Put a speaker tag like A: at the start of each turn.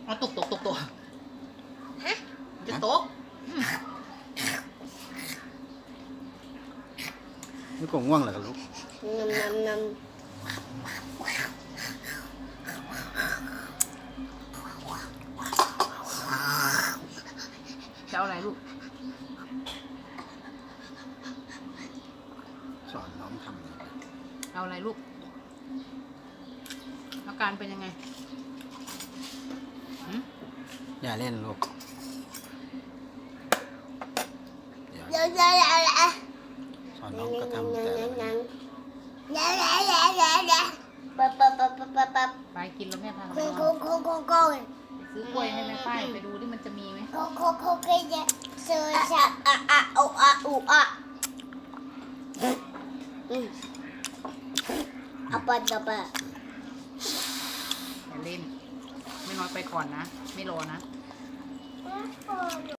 A: เอาตก
B: ฮะ
A: จะตก
C: ลูกก็ง่วงเหรอลูก
B: นำ
A: จะเอาอะไรลูก
C: สอนน้องทำ
A: เอาอะไรลูกอาการเป็นยังไง
C: อย่าเล่นลูก
B: เดี๋ยว
C: สอนน้องก็ทำแต่ละอย่าง
B: ปั๊บ
A: ไปกินแล้วแม่พาเรา
B: โก
A: ไปน
B: โก
A: อน
B: โกโกโก
A: ซื้อกล้วยให้แม่ป้ายไปดูที่มันจะมีไหม
B: โกโกโกโกจะเสือชะอะโออะอูอะอะปัด
A: อย่าเล่น ไม่น้อยไปก่อนนะ ไม่รอนะ